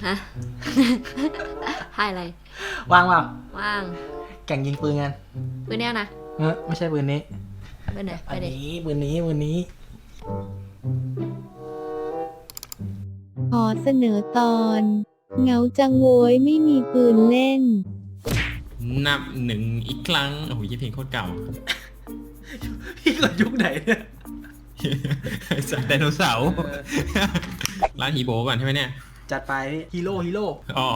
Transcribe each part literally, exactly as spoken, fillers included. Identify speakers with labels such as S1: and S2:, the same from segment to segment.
S1: ฮะ ให้อะไร
S2: ว่างเปล่า
S1: ว่าง
S2: แข่งยิงปืนกัน
S1: ปืนเนี้ยนะ
S2: เออไม่ใช่ปืนนี้
S1: ปืนไหนไป
S2: อัน
S1: ดิ
S2: นี้ปืนนี้ปืนนี้
S3: ขอเสนอตอน เหงาจังโวยไม่มีปืนเล่น
S4: นับหนึ่งอีกครั้งโอ้โหยี่เพลงโคตรเก่า
S2: พี่เกิดยุคไหนเนี่ย
S4: สัตว์ไดโนเสาร์ร้านฮีโบก่อนใช่ไหมเนี่ย
S2: จัดไปฮีโร่ฮีโร่
S4: อ๋อ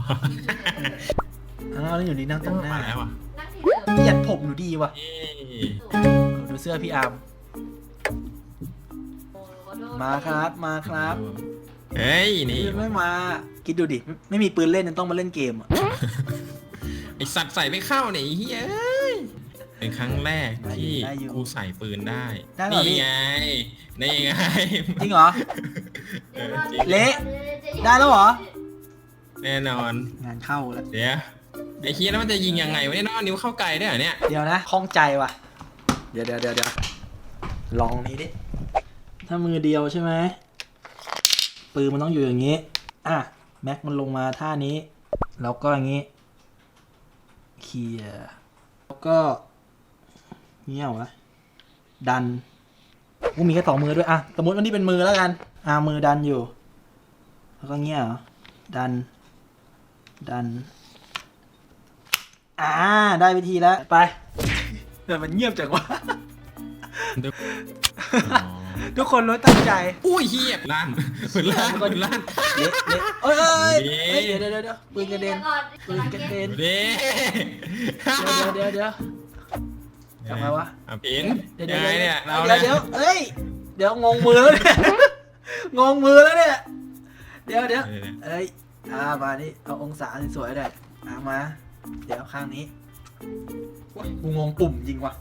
S2: อ้าวแล้วอยู่ดีนั่งตรงหน้า
S4: มาแล้วอ่ะ
S1: นั่งที่เดิม
S2: พี่ยัดผมหนูดีว่ะ
S4: เอ้ย
S2: ดูเสื้อพี่อาร์มมาครับมาครับ
S4: เฮ้ยนี่
S2: ไม่มา คิดดูดิไม่ไม่มีปืนเล่นยังต้องมาเล่นเกมอ่ะ
S4: ไอสัตว์ใส่ไม่เข้าเนี่ยไอ้เฮ้ยเป็นครั้งแรกที่กูใส่ปืนได้
S2: ได้เหรอพี่
S4: นี่ไงนี่ไง
S2: จริงเหรอ
S4: เออจริง
S2: เละ ได้แล้วเหรอ
S4: แน่นอน
S2: งานเข้าแล้ว
S4: เดี๋ยวไอ้เฮียแล้วมันจะยิงยังไงวะเนี่ยน้องนิ้วเข้าไกลได้เหรอเนี่ย
S2: เดี๋ยวนะคล่องใจว่ะ เดี๋ยวเดี๋ยวเดี๋ยวเดี๋ยวลองนี้ดิ ถ้ามือเดียวใช่ไหมปืนมันต้องอยู่อย่างนี้ อ่ะ แม็กมันลงมาท่านี้ แล้วก็อย่างนี้เคลียร์แล้วก็เงี้ยวะดันกูมีแค่สองมือด้วยอ่ะสมมติวันนี้เป็นมือแล้วกัน อ่ะมือดันอยู่ แล้วก็เงี้ยเหรอดัน ดัน อ่า ได้วิธีแล้ว ไปแต่มันเงียบจังวะ ทุกคนรู้ตั้งใจ
S4: อุ้ยเฮียลั่นปืนลั่นปืนลั่น
S2: เละเละเอ้ยเอ้ย
S4: เละ
S2: เอ้ยเดี๋ยวเดี๋ยวเดี๋ยวปืนกระเด็นปืนกระเด็น
S4: เด้
S2: เดี๋ยวเดี๋ยวเดี๋ยวทำไมวะ
S4: อ่ะปิน
S2: เดี๋ยว
S4: ยั
S2: เดี๋ยว
S4: งไง
S2: เดี๋
S4: เนี่ย
S2: ยว
S4: เรา
S2: เดี๋
S4: เนี่ย
S2: วย เดี๋ยวเอ้ยเดี๋ยวงงมือแล้วเนี่ย งงมือแล้วเนี่ยเดี๋ยวเดี๋ยวเอ้ยอ่ามานี่เอาองศาสวยๆได้อ่ามา เดี๋ยวข้างนี้โอ๊ยกูงงปุ่มจริงว่ะ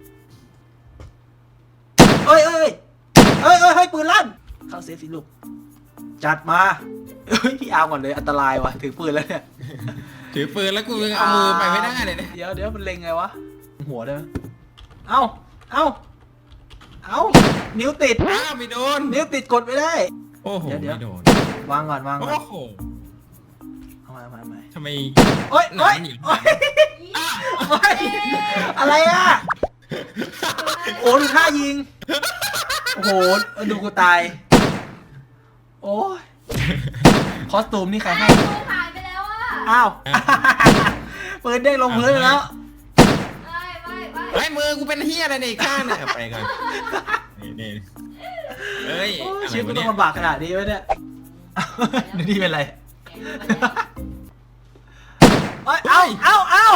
S2: เอ้ยเอ้ยเอ้ยเอ้ยให้ปืนลั่นเข้าเซฟสิลูกจัดมาเฮ้ยพี่อาร์มก่อนเลยอันตรายว่ะถือปืนแล้วเนี่ย
S4: ถือปืนแล้วกูยังเอามือไปไม่ได้เลยเนี่ย
S2: เดี๋ยวเดี๋ยวมันเล็งไงวะหัวได้ไหมเอ้าเอ้าเอ้านิ้วติด
S4: อ้าวไม่โดน
S2: นิ้วติดกดไม่ได้
S4: โอ้โห
S2: เดี๋ยวเดี๋ยว
S4: ไม่โดน
S2: วางก่อนวางก่อน
S4: โอ้โห
S2: เอามาเอามาเอามา
S4: ทำไม
S2: โอ๊ย
S4: ห
S2: โอ๊
S4: นาย หนี
S2: โอ๊ยโอ๊ยอะไรอ่ะโอ้ดูท่ายิงโอ้โหดูกูตายโอ้ยคอสตูมนี่ใครให้
S1: หายไปแล้วอ่ะ
S2: อ้าวปืนเด้งลงพื้นไปแล้ว
S1: ไม่ไม่ไม่
S4: ไอ้ยมือกูเป็นเฮียอะไรเนี่ยอีกข้างเนี่ยเอาไปก่อนนี่นี่เอ้ย
S2: โอ้ย
S4: อะไร
S2: ชีวิตกู
S4: วะ
S2: ต้
S4: เนี่
S2: อย งลำบากขนาดนี้ไหมเนี่ยเดี๋ยวนี่เป็นไรเอ้ยเอ้าเอ้าเอ้า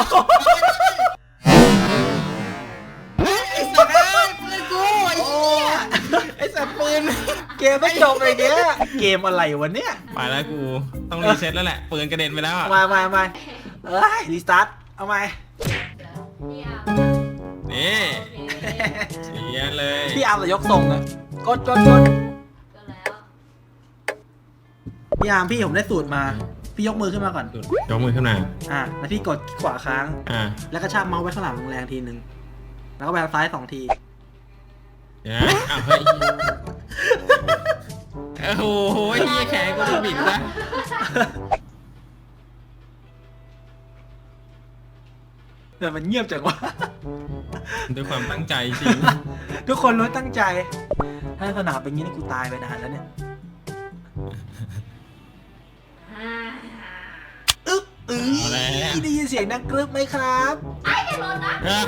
S4: เฮ้ยไอ้สัตว์เอ้ยปืนกูไอ้เหี้ยไอ้สัตว์ปืน
S2: เกมไม่จบเลยเนี้ยเกมอะไรวะเนี่ย
S4: ไปแล้วกูต้องรีเซ็ตแล้วแหละปืนกระเด็นไปแล้วอ่ะ
S2: มามามาเอ้ยรีสตาร์ทเอาไหม
S1: เนี่ย
S4: นี่เสียเลย
S2: พี่อาร์มจะยกส่งอะกดกดกด
S1: ก็แล้ว
S2: พี่อาร์มพี่ผมได้สูตรมา พี่ยกมือขึ้นมาก่อน
S4: ยกมือขึ้นมา
S2: อ่ะแล้วพี่กดขวาค้าง
S4: อ่า
S2: แล้วก็ชากเมาส์ไว้ข้างหลังแรงๆทีนึงแล้วก็แบงซ้ายสองที
S4: เดี๋ยวนะอ้าวเฮ้ยโอ้โหเฮียแขนกูจะบิดนะ
S2: แต่มันเงียบจังวะ
S4: ด้วยความตั้งใจจริง
S2: ทุกคนรู้ตั้งใจ ถ้าสนามเป็นงี้นี่กูตายไปนานแล้วเนี่ย
S1: อ่า
S2: อึ๊บอึ๊ยได้ยินเสียงดังกรึบไหมครับ
S1: ไอ้จะโดนนะ
S4: อ่ะ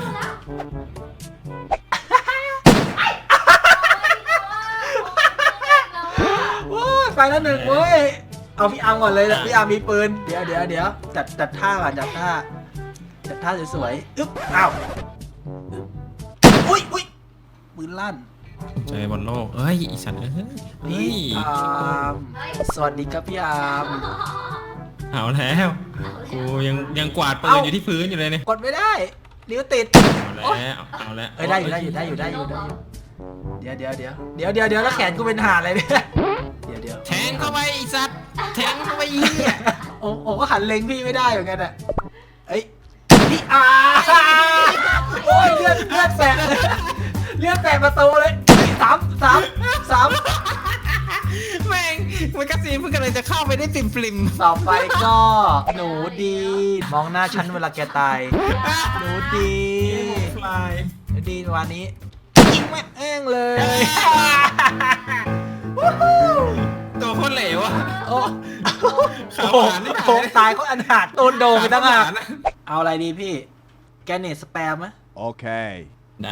S2: โอ้ยไปแล้วหนึ่งเว้ย เอาพี่อาร์มก่อนเลยนะพี่อาร์มมีปืน เดี๋ยวเดี๋ยวเดี๋ยวจัดจัดท่าก่อนจัดท่า จัดท่าสวยๆ อึ๊บ อ้าวอึ๊บอุ้ยอุ้ยปืนลั่น
S4: ใจบอลโลกเอ้ยอีสัตว์เอ้ยเฮ้
S2: พี่
S4: ย
S2: อาร์มสวัสดีครับพี่อาร์ม
S4: เอาแล้วกูยังยังกวาดปืน
S2: เอ้า
S4: อยู่ที่พื้นอยู่เลยเนี่ย
S2: กดไม่ได้ นิ้วติด
S4: เอาแล้วเอาแล้ว
S2: เอ้ยได้อยู่ได้อยู่ได้อยู่ได้อยู่ได้อยู่เดี๋ยวเดี๋ยวเดี๋ยวเดี๋ยวเดี๋ยวเดี๋ยวแล้วแขนกูเป็นห่าอะไรเนี่ย เดี๋ยวเดี๋ยว
S4: แทงเข้าไปอีสัตว์แทงเข้าไปอีเหี้ย
S2: โอ้โอ้ก็หันเล็งพี่ไม่ได้เหมือนกันอ่ะเอ้ยพี่อาร์โอ้ยเลือดเลือดแตกเลือดแตกประตูเลยสามสามสาม
S4: แม่งมันกระสีนเพิ่งกำลังจะเข้าไปได้ได้ปริมปริม
S2: ต่อไปก็หนูดี มองหน้าฉันเวลาแกตาย หนูดี
S4: ฟลาย
S2: หนูดีวันนี้ยิงแม่งเอ้งเลย
S4: ตัวโคตรเหลวอ่ะ
S2: โอ้
S4: ขา
S2: โห
S4: หวานนี่
S2: โหตายเขาอันหักโดนโดนไปตั้งอ่ะเอาอะไรดีพี่ แกเนตสแปมไหม
S5: Okay.
S4: ได้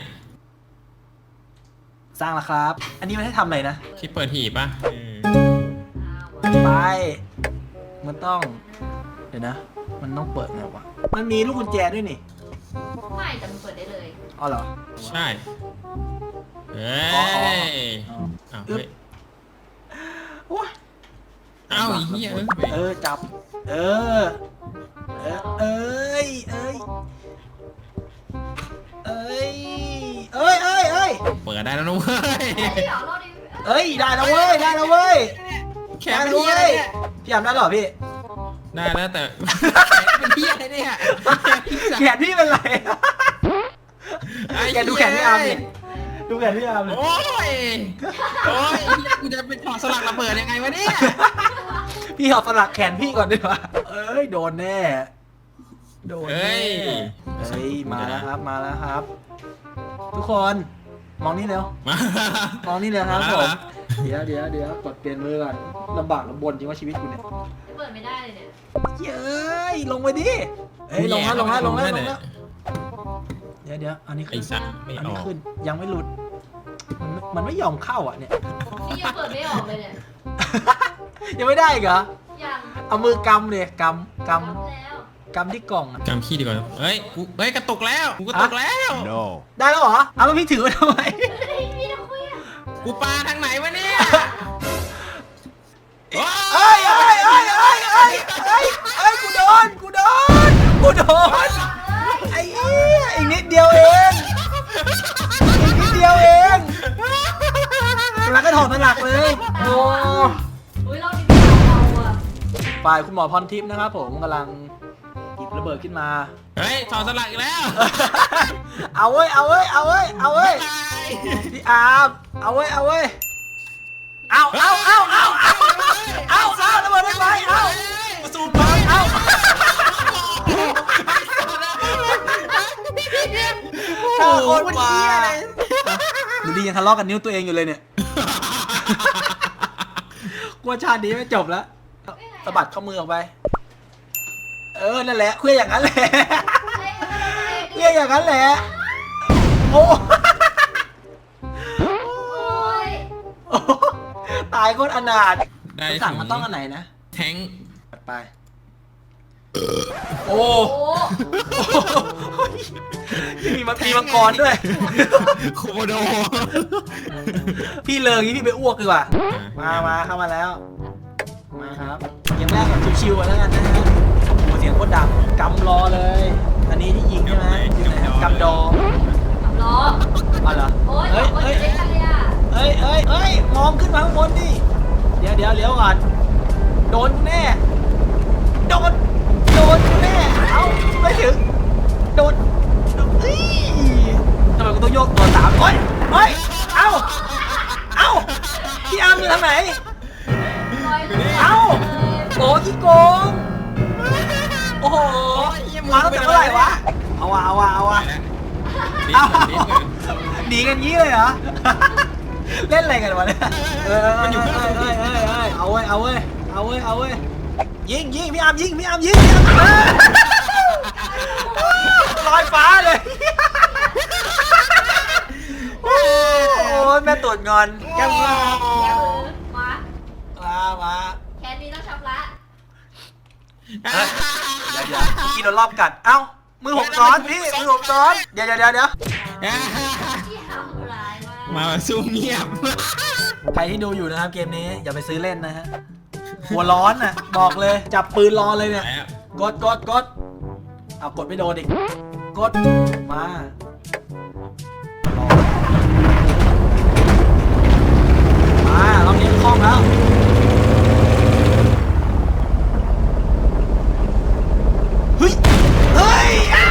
S2: สร้างแล้วครับ อันนี้มันให้ทำอะไรนะ
S4: ที่เปิดหีบป่ะเออ
S2: ไป มันต้อง เดี๋ยวนะ มันต้องเปิดไงวะ มันมีลูกกุญแจด้วยนี่
S1: ไม่แต่มันเปิดได้เลย
S2: อ๋อเหรอ
S4: ใช่เฮ้
S2: อ๋ออ๋ออ๋อ
S4: ย
S2: อ๋อ
S4: อ้าว
S2: อึ๊บ
S4: เฮ้ย
S2: โอ้ย
S4: เอ้าไอ้เหี้ยเอ้ย
S2: เออ จับ เออ เออ เอ้ย เอ้ย เอ้ย เอ้ย เอ้ย เอ้ย
S4: เปิดได้แล้วนะเว้ย
S1: เฮ้ยเดี๋ยวรอดิ
S2: เอ้ย ได้แล้วเว้ย ได้แล้วเว้ย
S4: แข
S2: ได้
S4: น
S2: แล้ว
S4: เหี้ย
S2: เว้
S4: อะไร
S2: ย
S4: เนี่ย
S2: พี่ยามได้เหรอพี่
S4: ได้แล้วแต่ เป็นเหี้ยอะไรเนี่ย
S2: แขนพี่เป็นไร แกดูแขนพี่อาร์มดิดูแขนพี่อาร์มดิ
S4: โอ้ยโอ้ยกูจะเป็นถอดสลักระเบิดยังไงวะเนี่ย
S2: พี่เอาสลักแขนพี่ก่อนดีกว่าเอ้ย โดนแน่ โดน
S4: เฮ้
S2: แน่
S4: ย
S2: เฮ้ย มาแล้วครับ มาแล้วครับ ทุกคน มองนี่เร็ว
S4: มาม
S2: องนี่เร็วครับ
S4: มา
S2: ผ
S4: แล้ว
S2: ม
S4: เหรอ
S2: เดี๋ยวเดี๋ยวเดี๋ยวกดเปลี่ยนมือก่อนลำบากลำบนจริงว่าชีวิตกูเนี่ย
S1: เปิดไม่ได้เลยเนี่ย
S2: เย้ย ลงไปดิ เฮ้ย ลงแล้วลงแล้วลงแล้วลงแล้ว เดี๋ยวเดี๋ยวอันนี้
S4: ไอ้
S2: ขึ้น
S4: สัตว์ไม่
S2: อัน
S4: อ
S2: นี้
S4: อก
S2: ขึ้น ยังไม่หลุด มันไม่มันไม่ยอมเข้าอ่ะเนี่ย
S1: นี่ยังเปิดไม่ออกเลยเนี่ย
S2: ยังไม่ได้อีกเหรอ
S1: ยัง
S2: เอามือกำเลยกำก
S1: ทำแล้ว
S2: ำกำที่กล่องอะ
S4: จำขี้ดีกว่าเฮ้ยกูเฮ้ยกระตุกแล้วกูกระตุกแล้ว
S5: No.
S2: ได้แล้วเหรอ เอาแล้วพี่ถือไว้ทำไม
S1: เฮ้ยพี่จะคุยอ่ะ
S4: กูปาทางไหนวะเนี่ยโอ้
S2: เอ้ยเอ้ยเอ้ยเอ้ยเอ้ยเอ้ยเอ้ยกูโดน กูโดน กูโดน ไอ้เหี้ยอีกนิดเดียวเอง อีกนิดเดียวเองแล้วก็ถอดสลักเลย โอ้
S1: อุ้ยเราดิเราอ่ะ
S2: ฝ่ายคุณหมอพรทิพย์นะครับผมกำลังหยิบระเบิดขึ้นมา
S4: เฮ้ยถอดสลักอีกแล้ว
S2: เอาเว้ย เอาเว้ย เอาเว้ย เอาเว้ย พี่อาร์มเอาเว้ย เอาเว้ย เอาเอาเอาเอาเอาเอาเอาระเบิดไม่ไปเอาซูมไปเอาถ้าโคตรมาดูดียังทะเลาะกันนิ้วตัวเองอยู่เลยเนี่ยกลัวชาตินี้ไม่จบแล้วสะบัดข้อมือออกไป เออ นั่นแหละเคลื่อนอย่างนั้นแหละเคลื่อนอย่างนั้นแหละ โอ้
S1: โอ้ย
S2: โอ้ตายโคตรอนาถ
S4: ได้
S2: สั่งมันต้องอันไหนนะ
S4: แทง
S2: ไป โอ้
S1: โอ้
S2: มีมังมีมังกรด้วย
S4: โคโด
S2: พี่เลิงนี้พี่ไปอ้วกดีกว่า มามาเข้ามาแล้ว มาครับเกมแรกแบบชิวๆกันแล้วกันนะฮะโอ้โหเสียงโคตรดังกำรอเลย อันนี้ที่ยิงใช่ไหมอยู่ไหนครับกำดอ
S1: ขับล้อ
S2: อ๋อเหรอ
S1: โอ้ย
S2: เฮ้ย
S1: ขับรถ
S2: เฮ้ย
S1: ได้กันเลยอ่ะ
S2: เฮ้ยเฮ้ยเฮ้ยมองขึ้นมาข้างบนดิ เดี๋ยวเดี๋ยวเลี้ยวก่อน โดนแน่ โดน โดนแน่ เอ้าไม่ถึง โดนเฮ้ยทำไมกูต้องโยกตัวสามเฮ้ยเฮ้ย เอ้า เอ้า พี่อาร์มอยู่ทางไหน
S1: ลอยเลย
S2: เอ้า โอ้ที่โกง โอ้โห มาตั้งแต่เมื่อไหร่วะ เอาวะเอาวะเอาวะ
S4: ดิ
S2: เอา
S4: ดิ
S2: หนีกันงี้เลยเหรอ เล่นอะไรกันวะเนี่ยเออเออเออเออเออเออเอาเว้ย เอาเว้ย เอาเว้ย เอาเว้ย ยิงยิงพี่อาร์มยิงพี่อาร์มยิงพี่อาร์มลอยฟ้าเลย โอ้ยแม่ตรวจงอนแก้มงอ
S1: แกมือมา
S2: มามา
S1: แค่นี้ต้องชำระ
S2: เดี๋ยวเดี๋ยวกินโดนรอบกัด เอ้า มือผมซ้อนพี่ มือผมซ้อน เดี๋ยวเดี๋ยวเดี๋ยวเดี๋ยว
S1: ที่ทำร้ายมาก
S4: มาสู้เงียบ
S2: ใครที่ดูอยู่นะครับเกมนี้อย่าไปซื้อเล่นนะฮะ หัวร้อนน่ะ บอกเลย จับปืนรอเลยเนี่ย กดกดกดเอากดไม่โดนอีก กด มารอมาเราเลี้ยงคล่องแล้ว เฮ้ย เฮ้ยอ่ะ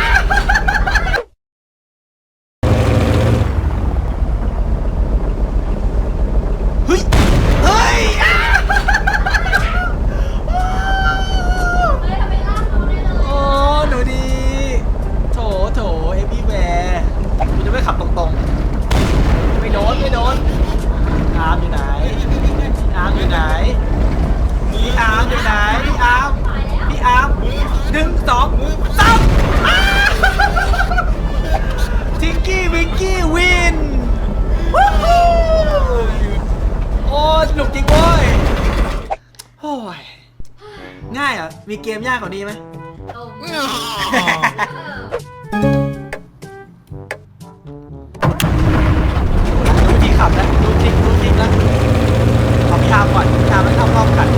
S2: เฮ้ย เฮ้ยอ่ะอาร์มอยู่ไหนพี่อาร์มอยู่ไหนพี่อาร์มอยู่ไหนพี่อาร์ม
S1: ตายแล้ว
S2: พี่อาร์มหนึ่งสองสามทิงกี้วิงกี้วินวู้ฮู้โอ้สนุกจริงเว้ยโอ้ยง่ายอ่ะมีเกมยากกว่านี้ไหม
S1: โอ้
S2: ดูที่ขับแล้วดูทริกดูทริกแล้วขอพี่อาร์มก่อนพี่อาร์มไม่เข้ารอบกัน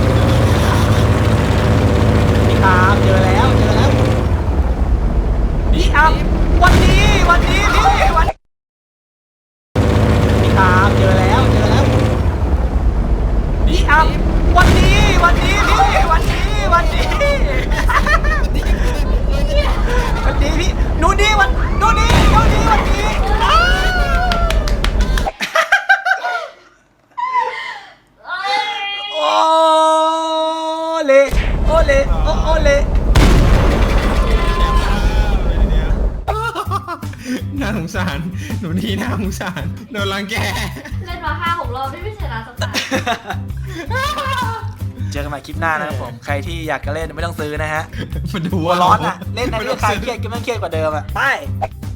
S2: พี่อาร์มเจอแล้วเจอแล้วพี่อาร์มวันนี้วันนี้พี่วันพี่อาร์มเจอแล้วเจอแล้วพี่อาร์มวันนี้วันนี้พี่วันนี้วันนี้วันนี้พี่หนูนี่วันหนูนี่หนูนี่วันนี้อ้าว
S1: เอ้ย
S2: โอ้เลโอเลโอโอเล
S4: น่าสงสารหนูนี่น่าสงสารโดนรังแก
S1: เล่นมาห้าหกรอบไม่ชนะสักตา
S2: เจอกันใหม่คลิปหน้านะครับผม ใครที่อยากจะเล่นไม่ต้องซื้อนะฮะ
S4: มาดู
S2: หัวร้อนอ่ะ เล่นในเรื่องคลายเครียดก็ไม่เครียดกว่าเดิมอ่ะ ไป